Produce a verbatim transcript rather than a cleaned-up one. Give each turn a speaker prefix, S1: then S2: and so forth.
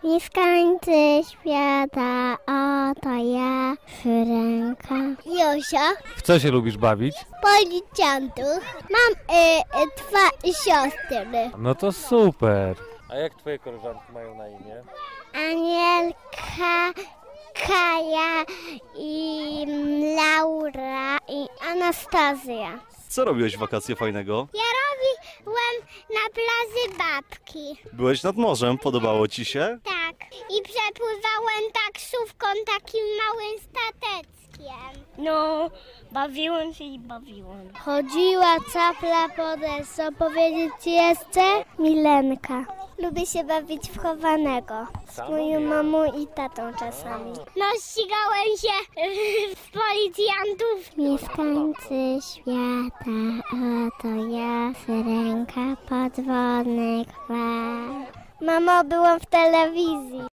S1: Mieszkańcy świata, oto ja, Syrenka. Josia.
S2: W co się lubisz bawić?
S1: Policjantów. Mam y, y, dwa siostry.
S2: No to super. A jak twoje koleżanki mają na imię?
S1: Anielka, Kaja i Laura i Anastazja.
S3: Co robiłeś w wakacje fajnego?
S1: Ja robiłem na plaży babki.
S3: Byłeś nad morzem, podobało ci się?
S1: Tak. I przepływałem taksówką takim małym stateckiem.
S4: No, bawiłem się i bawiłem.
S1: Chodziła capla po desce. Powiedzieć ci jeszcze? Milenka. Lubię się bawić w chowanego. Z moją mamą i tatą czasami.
S4: No, ścigałem się z policjantów.
S1: Mieszkańcy świata, oto ja, Syrenka, podwodnych fal. Mamo, byłam w telewizji.